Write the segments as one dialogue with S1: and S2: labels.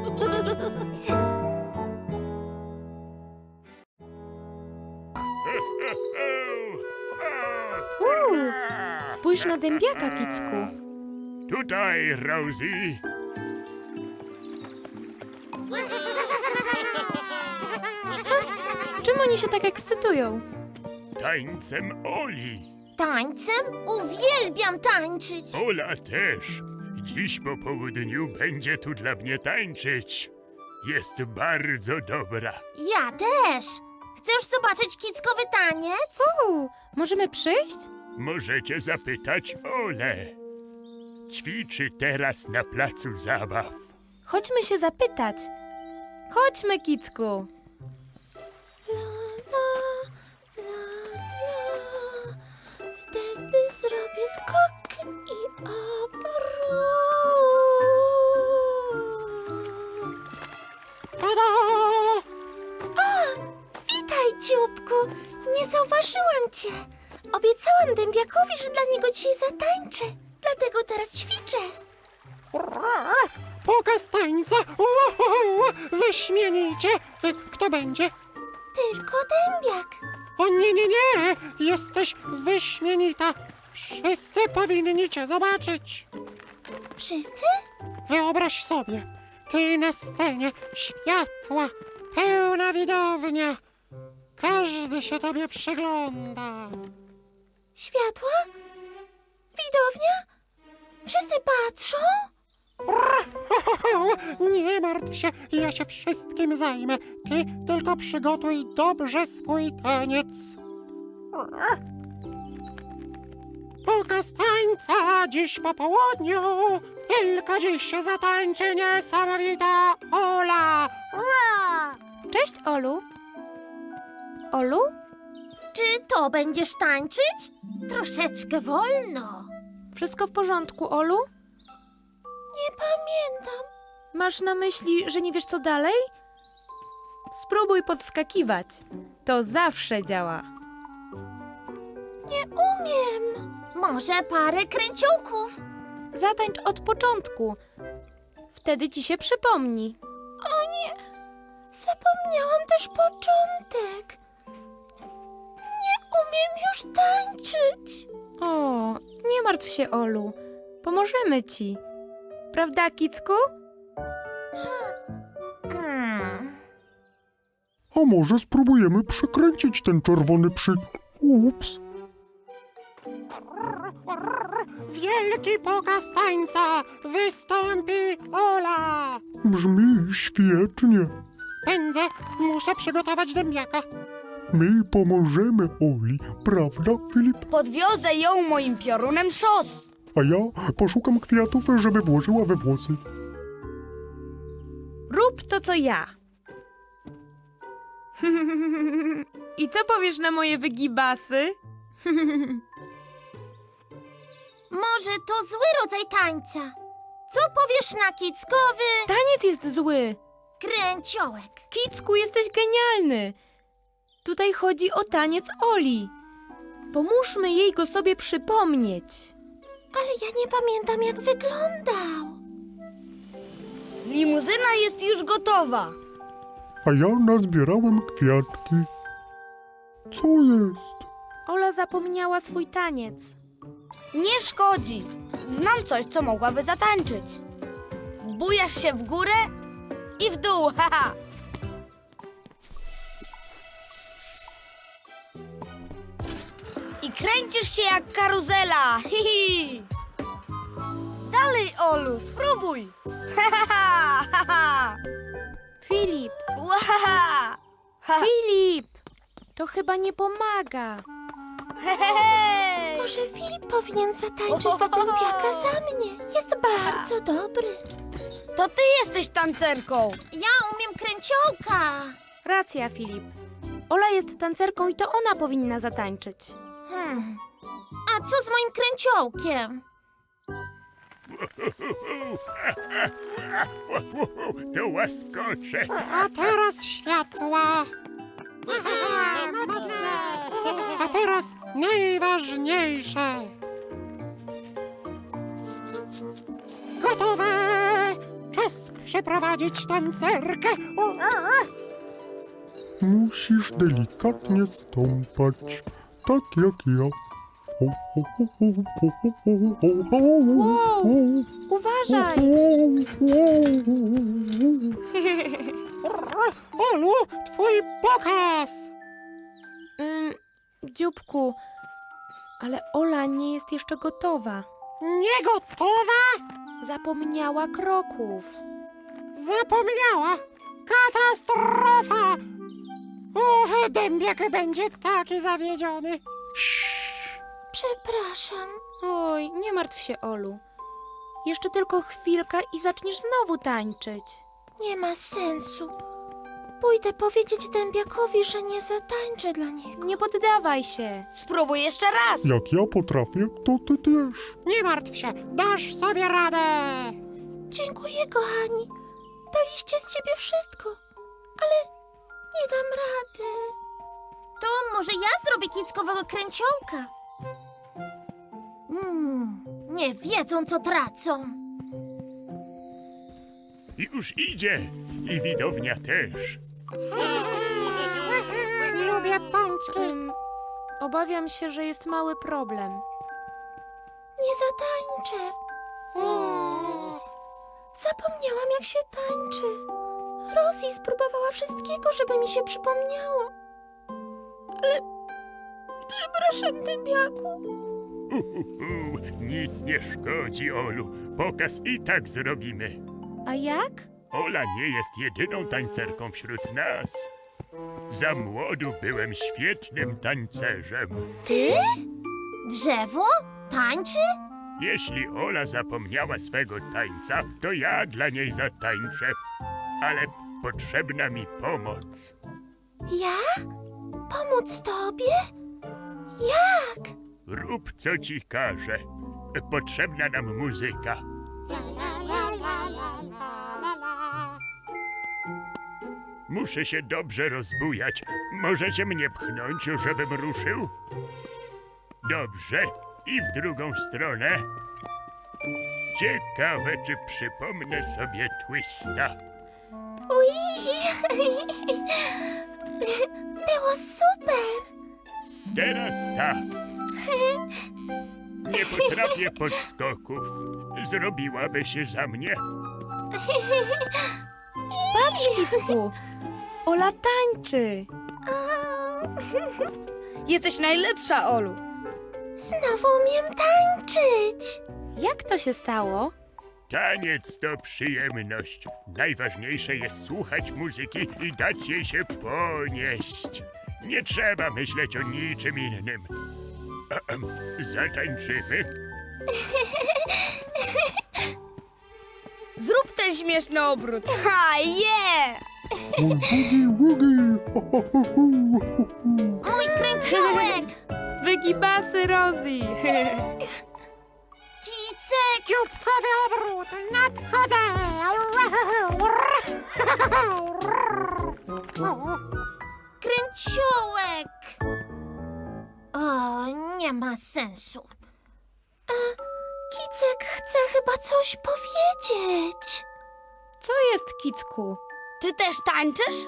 S1: Spójrz na dębiaka, Kicku.
S2: Tutaj, Rosie.
S1: Czym oni się tak ekscytują?
S2: Tańcem Oli.
S3: Tańcem? Uwielbiam tańczyć.
S2: Ola też. Dziś po południu będzie tu dla mnie tańczyć. Jest bardzo dobra.
S3: Ja też. Chcesz zobaczyć kickowy taniec?
S1: Możemy przyjść?
S2: Możecie zapytać Olę. Ćwiczy teraz na placu zabaw.
S1: Chodźmy się zapytać. Chodźmy, Kicku.
S3: Wtedy zrobię skok i obrót. O, witaj, dzióbku. Nie zauważyłam cię. Obiecałam dębiakowi, że dla niego dzisiaj zatańczę. Dlatego teraz ćwiczę.
S4: Pokaz tańca! Wyśmienicie! Kto będzie?
S3: Tylko dębiak.
S4: O nie, nie, nie! Jesteś wyśmienita! Wszyscy powinni cię zobaczyć!
S3: Wszyscy?
S4: Wyobraź sobie, ty na scenie, światła, pełna widownia. Każdy się tobie przygląda.
S3: Światła? Widownia? Wszyscy patrzą?
S4: Nie martw się, ja się wszystkim zajmę. Ty tylko przygotuj dobrze swój taniec. Pokaz tańca dziś po południu. Tylko dziś się zatańczy niesamowita Ola.
S1: Cześć, Olu. Olu?
S3: Czy to będziesz tańczyć? Troszeczkę wolno.
S1: Wszystko w porządku, Olu?
S3: Nie pamiętam.
S1: Masz na myśli, że nie wiesz co dalej? Spróbuj podskakiwać. To zawsze działa.
S3: Nie umiem. Może parę kręciołków?
S1: Zatańcz od początku. Wtedy ci się przypomni.
S3: O nie, zapomniałam też początek. Nie umiem już tańczyć.
S1: O, nie martw się, Olu. Pomożemy ci. Prawda, Kicku?
S5: A może spróbujemy przekręcić ten czerwony Ups.
S4: Wielki pokaz tańca. Wystąpi Ola.
S5: Brzmi świetnie.
S4: Pędzę, muszę przygotować dębiaka.
S5: My pomożemy Oli, prawda, Filip?
S6: Podwiozę ją moim piorunem szos.
S5: A ja poszukam kwiatów, żeby włożyła we włosy.
S1: Rób to, co ja. I co powiesz na moje wygibasy?
S3: Może to zły rodzaj tańca. Co powiesz na kickowy
S1: Taniec jest zły.
S3: kręciołek?
S1: Kicku, jesteś genialny. Tutaj chodzi o taniec Oli. Pomóżmy jej go sobie przypomnieć.
S3: Ale ja nie pamiętam, jak wyglądał.
S6: Limuzyna jest już gotowa.
S5: A ja nazbierałem kwiatki. Co jest?
S1: Ola zapomniała swój taniec.
S6: Nie szkodzi. Znam coś, co mogłaby zatańczyć. Bujasz się w górę i w dół, haha. I kręcisz się jak karuzela, hihi. Dalej, Olu, spróbuj. Ha, ha, ha.
S1: Filip,
S6: Łahaha. Ha.
S1: Filip! To chyba nie pomaga.
S6: Hej.
S3: Może Filip powinien zatańczyć do dębiaka za mnie. Jest bardzo dobry.
S6: To ty jesteś tancerką.
S3: Ja umiem kręciołka.
S1: Racja, Filip. Ola jest tancerką i to ona powinna zatańczyć.
S3: A co z moim kręciołkiem?
S2: To łaskocze.
S4: A teraz światła. A teraz najważniejsze. Gotowe. Czas przeprowadzić tancerkę.
S5: Musisz delikatnie stąpać, tak jak ja.
S1: Wow, uważaj!
S4: Olu, twój pokaz!
S1: Dzióbku, ale Ola nie jest jeszcze gotowa.
S4: Nie gotowa?
S1: Zapomniała kroków.
S4: Zapomniała. Katastrofa! Och, dębiak będzie taki zawiedziony.
S3: Przepraszam.
S1: Oj, nie martw się, Olu. Jeszcze tylko chwilka i zaczniesz znowu tańczyć.
S3: Nie ma sensu. Pójdę powiedzieć dębiakowi, że nie zatańczę dla niego.
S1: Nie poddawaj się.
S6: Spróbuj jeszcze raz.
S5: Jak ja potrafię, to ty też.
S4: Nie martw się, dasz sobie radę.
S3: Dziękuję, kochani. Daliście z siebie wszystko, ale nie dam rady. To może ja zrobię kickowego kręciołka. Nie wiedzą, co tracą.
S2: Już idzie i widownia też.
S4: Lubię pączki.
S1: Obawiam się, że jest mały problem.
S3: Nie zatańczę. Zapomniałam, jak się tańczy. Rosie spróbowała wszystkiego, żeby mi się przypomniało. Ale przepraszam, dębiaku.
S2: Nic nie szkodzi, Olu. Pokaz i tak zrobimy.
S1: A jak?
S2: Ola nie jest jedyną tańcerką wśród nas. Za młodu byłem świetnym tancerzem.
S3: Ty? Drzewo? Tańczy?
S2: Jeśli Ola zapomniała swego tańca, to ja dla niej zatańczę. Ale potrzebna mi pomoc.
S3: Ja? Pomóc tobie? Jak?
S2: Rób, co ci każę. Potrzebna nam muzyka. Muszę się dobrze rozbujać. Możecie mnie pchnąć, żebym ruszył? Dobrze. I w drugą stronę. Ciekawe, czy przypomnę sobie twista.
S3: Było super.
S2: Teraz tak. Nie potrafię podskoków. Zrobiłaby się za mnie.
S1: Patrz, Kicku! Ola tańczy!
S6: Jesteś najlepsza, Olu.
S3: Znowu umiem tańczyć.
S1: Jak to się stało?
S2: Taniec to przyjemność. Najważniejsze jest słuchać muzyki i dać jej się ponieść. Nie trzeba myśleć o niczym innym. Zatańczymy?
S6: Zrób ten śmieszny obrót. Ha, je!
S5: Boogie, boogie.
S3: Mój kręciołek.
S1: Wygibasy, Rosie!
S3: Kicek.
S4: Dzióbkowy obrót, nadchodzę.
S3: Kręciołek. O, nie ma sensu. Kicek chce chyba coś powiedzieć.
S1: Co jest, Kicku?
S6: Ty też tańczysz?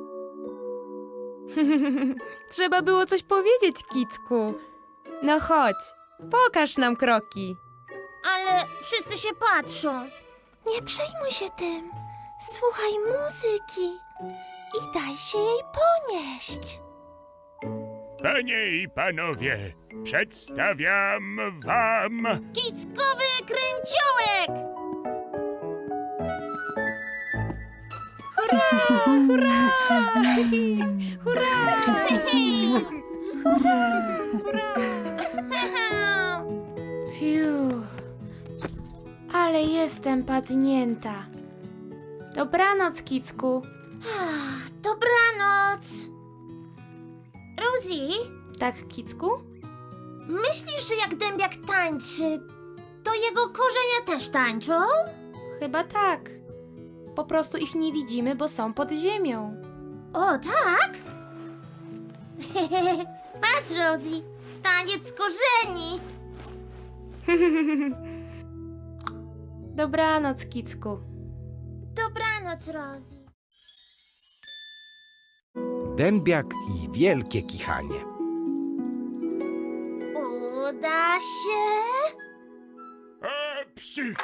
S1: Trzeba było coś powiedzieć, Kicku. No chodź, pokaż nam kroki.
S3: Ale wszyscy się patrzą. Nie przejmuj się tym. Słuchaj muzyki i daj się jej ponieść.
S2: Panie i panowie, przedstawiam wam...
S3: Kickowy kręciołek!
S1: Fiu. Ale jestem padnięta. Dobranoc, Kicku.
S3: Dobranoc. Rosie,
S1: Tak, Kicku?
S3: myślisz, że jak dębiak tańczy, to jego korzenie też tańczą?
S1: Chyba tak. Po prostu ich nie widzimy, bo są pod ziemią.
S3: O, tak? Patrz, Rosie, taniec korzeni.
S1: Dobranoc, Kicku.
S3: Dobranoc. Dobranoc, Rosie.
S7: Dębiak i wielkie kichanie.
S3: Uda się?
S2: Psi!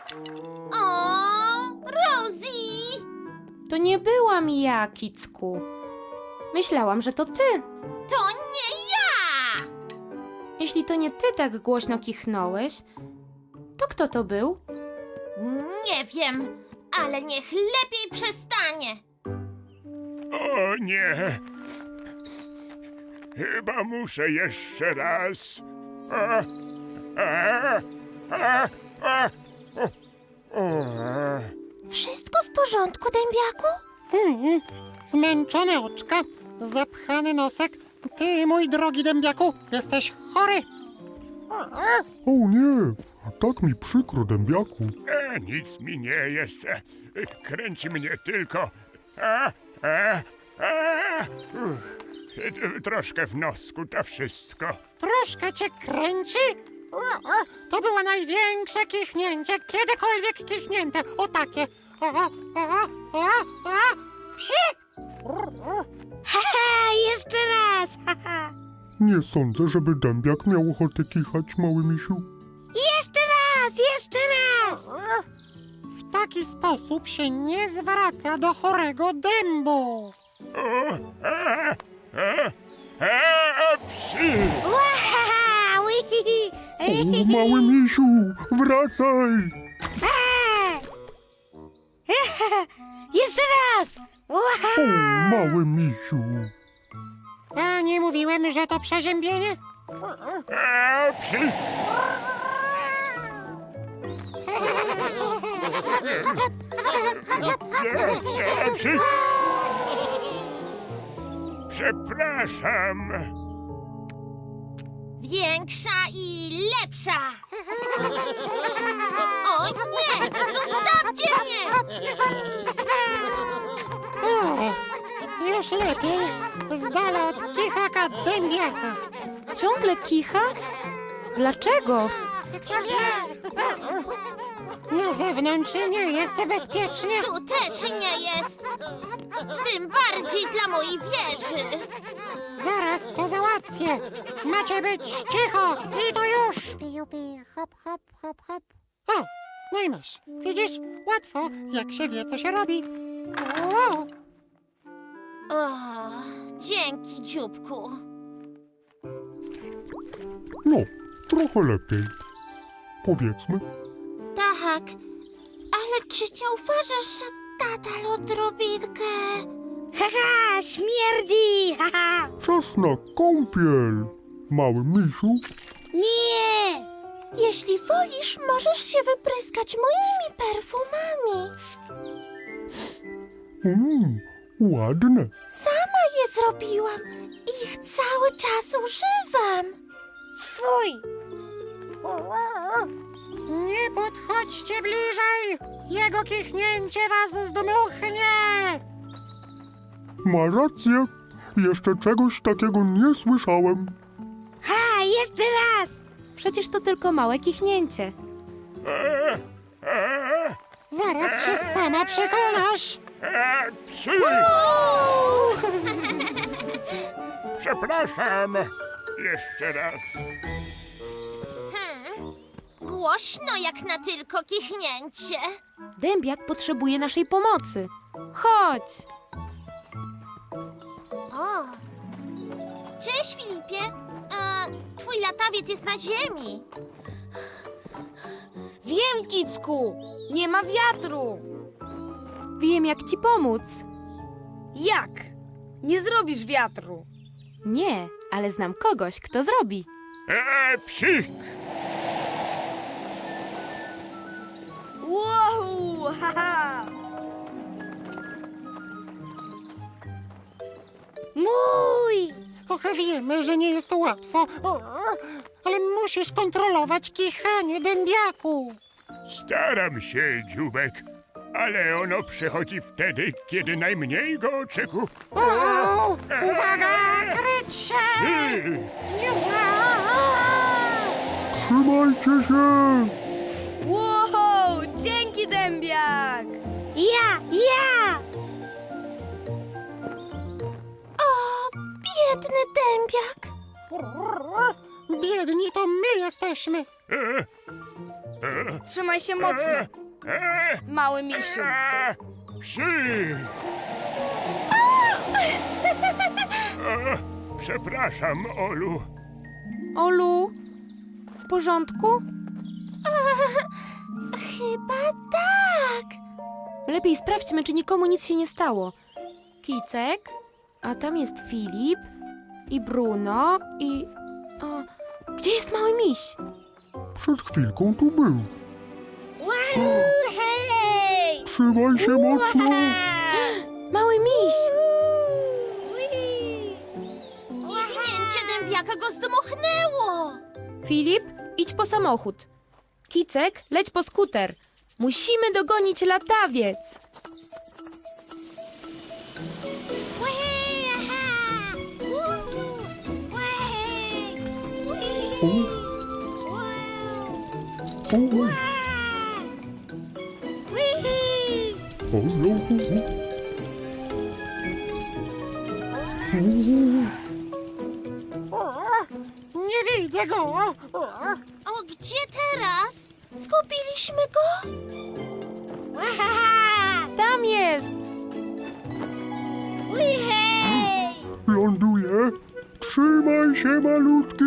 S3: O, Rosie!
S1: To nie byłam ja, Kicku. Myślałam, że to ty.
S3: To nie ja!
S1: Jeśli to nie ty tak głośno kichnąłeś, to kto to był?
S3: Nie wiem, ale niech lepiej przestanie.
S2: O nie! Chyba muszę jeszcze raz. A, a, a, a, o.
S3: Wszystko w porządku, dębiaku?
S4: Zmęczone oczka, zapchany nosek. Ty, mój drogi dębiaku, jesteś chory.
S5: O nie, tak mi przykro, dębiaku.
S2: Nic mi nie jest. Kręci mnie tylko. A, a, a. Troszkę w nosku, to wszystko.
S4: Troszkę cię kręci? To było największe kichnięcie, kiedykolwiek kichnięte. O takie. Psi!
S3: Haha, jeszcze raz! Haha.
S5: Nie sądzę, żeby dębiak miał ochotę kichać, mały misiu.
S3: Jeszcze raz, jeszcze raz!
S4: W taki sposób się nie zwraca do chorego dębu.
S2: O, psi!
S3: Wahaha, wihihi.
S5: O, mały misiu, wracaj!
S3: Jeszcze raz!
S5: O, mały misiu.
S4: A nie mówiłem, że to przeziębienie?
S2: Psi! Nie, psi! Przepraszam.
S3: Większa i lepsza! O nie! Zostawcie mnie!
S4: Już lepiej. Z dala od kichaka dębiaka.
S1: Ciągle kicha? Dlaczego?
S4: Na zewnątrz nie jest bezpiecznie.
S3: Tu też nie jest! Tym bardziej dla mojej wieży!
S4: Zaraz to załatwię. Macie być cicho i to już. Piju, piju, hop, hop, hop, hop. O, no i masz. Widzisz? Łatwo, jak się wie, co się robi. O,
S3: O, dzięki, dzióbku.
S5: No, trochę lepiej. Powiedzmy.
S3: Tak, ale czy nie uważasz, że nadal odrobinkę... Haha, śmierdzi! Haha!
S5: Czas na kąpiel, mały misiu.
S3: Nie! Jeśli wolisz, możesz się wypryskać moimi perfumami.
S5: Ładne.
S3: Sama je zrobiłam i ich cały czas używam. Fuj!
S4: nie podchodźcie bliżej. Jego kichnięcie was zdmuchnie.
S5: Ma rację. Jeszcze czegoś takiego nie słyszałem.
S3: Ha, jeszcze raz!
S1: Przecież to tylko małe kichnięcie.
S4: Zaraz się sama przekonasz.
S2: Psi! Przepraszam. Jeszcze raz.
S3: Głośno jak na tylko kichnięcie.
S1: Dębiak potrzebuje naszej pomocy. Chodź!
S3: O! Cześć, Filipie. Twój latawiec jest na ziemi.
S6: Wiem, Kicku! Nie ma wiatru!
S1: Wiem, jak ci pomóc.
S6: Jak? Nie zrobisz wiatru.
S1: Nie, ale znam kogoś, kto zrobi.
S2: Psi!
S6: Wow! Haha!
S3: Mój!
S4: Och, wiemy, że nie jest łatwo, ale musisz kontrolować kichanie dębiaku.
S2: Staram się, dzióbek, ale ono przychodzi wtedy, kiedy najmniej go oczekuję.
S4: O, uwaga, kryć się!
S5: Trzymajcie się!
S6: Wow! Dzięki, dębiak!
S3: Ja Ja! O, biedny dębiak.
S4: Biedni to my jesteśmy.
S6: Trzymaj się mocno, mały misiu.
S2: Psi! Przepraszam, Olu.
S1: Olu, w porządku?
S3: Chyba tak.
S1: Lepiej sprawdźmy, czy nikomu nic się nie stało. Kicek, a tam jest Filip i Bruno i... O, gdzie jest mały miś?
S5: Przed chwilką tu był.
S3: Hej!
S5: Trzymaj się mocno.
S1: Mały miś!
S3: Kichnięcie dębiaka go zdmuchnęło.
S1: Filip, idź po samochód. Kicek, leć po skuter. Musimy dogonić latawiec.
S4: Nie widzę go.
S3: O, gdzie teraz? Zgubiliśmy go?
S1: Tam jest!
S3: Hej!
S5: Ląduje. Trzymaj się, malutki.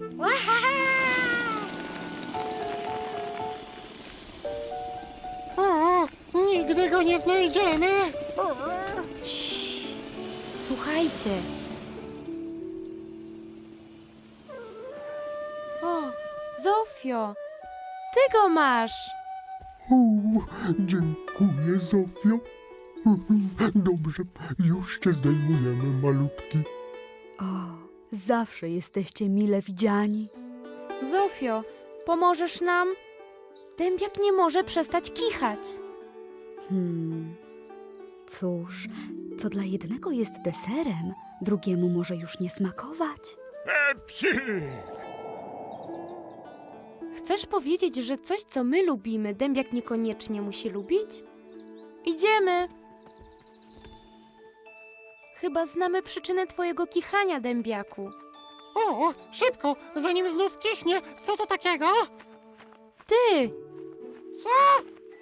S4: O, nigdy go nie znajdziemy.
S1: Cii. Słuchajcie. O, Zofio, ty go masz.
S5: O, dziękuję, Zofio. Dobrze, już cię zdejmujemy, malutki.
S8: O, zawsze jesteście mile widziani.
S1: Zofio, pomożesz nam? Dębiak nie może przestać kichać.
S8: Cóż, co dla jednego jest deserem, drugiemu może już nie smakować.
S2: Psi!
S1: Chcesz powiedzieć, że coś, co my lubimy, dębiak niekoniecznie musi lubić? Idziemy. Chyba znamy przyczynę twojego kichania, dębiaku.
S4: O, szybko, zanim znów kichnie. Co to takiego?
S1: Ty!
S4: Co?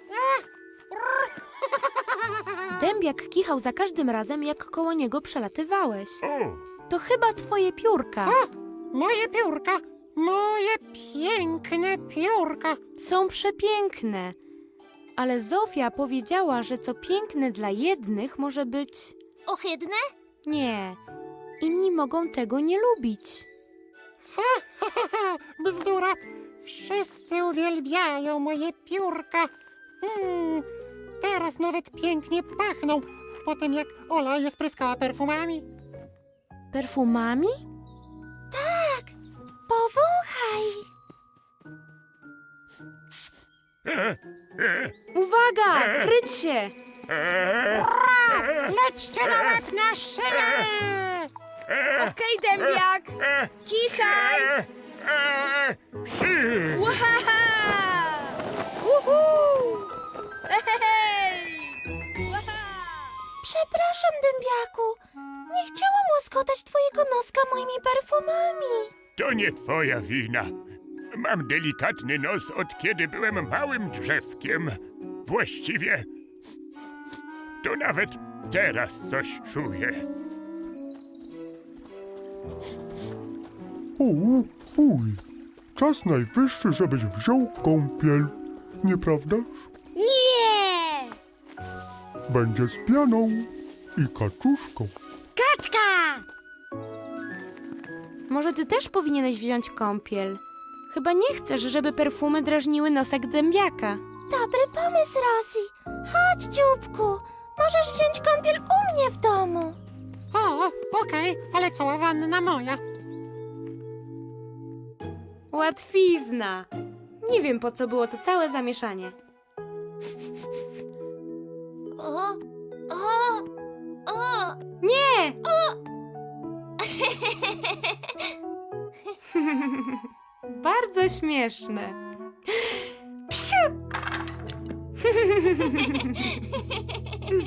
S1: Dębiak kichał za każdym razem, jak koło niego przelatywałeś.
S2: O,
S1: To chyba twoje piórka.
S4: Moje piórka. Moje piękne piórka.
S1: Są przepiękne. Ale Zofia powiedziała, że co piękne dla jednych może być...
S3: Ohydne?
S1: Nie. Inni mogą tego nie lubić.
S4: Bzdura. Wszyscy uwielbiają moje piórka. Teraz nawet pięknie pachną. Po tym jak Ola je spryskała perfumami.
S1: Perfumami?
S3: Powąchaj.
S1: Uwaga! Kryć się!
S4: Lećcie na łeb na szyję!
S6: Okej, dębiak, kichaj!
S2: Psi!
S6: Łahaha! Uhu! Hej! Łaha!
S3: Przepraszam, dębiaku. Nie chciałam łaskotać twojego noska moimi perfumami.
S2: To nie twoja wina. Mam delikatny nos od kiedy byłem małym drzewkiem. Właściwie to nawet teraz coś czuję.
S5: O, fuj. Czas najwyższy, żebyś wziął kąpiel. Nieprawdaż?
S3: Nie!
S5: Będzie z pianą i kaczuszką.
S3: Kaczka!
S1: Może ty też powinieneś wziąć kąpiel. Chyba nie chcesz, żeby perfumy drażniły nosek dębiaka.
S3: Dobry pomysł, Rosie. Chodź, dzióbku. Możesz wziąć kąpiel u mnie w domu.
S4: O, okej, ale cała wanna moja.
S1: Łatwizna. Nie wiem, po co było to całe zamieszanie.
S3: O, o, o.
S1: Nie! Bardzo śmieszne. Psiu!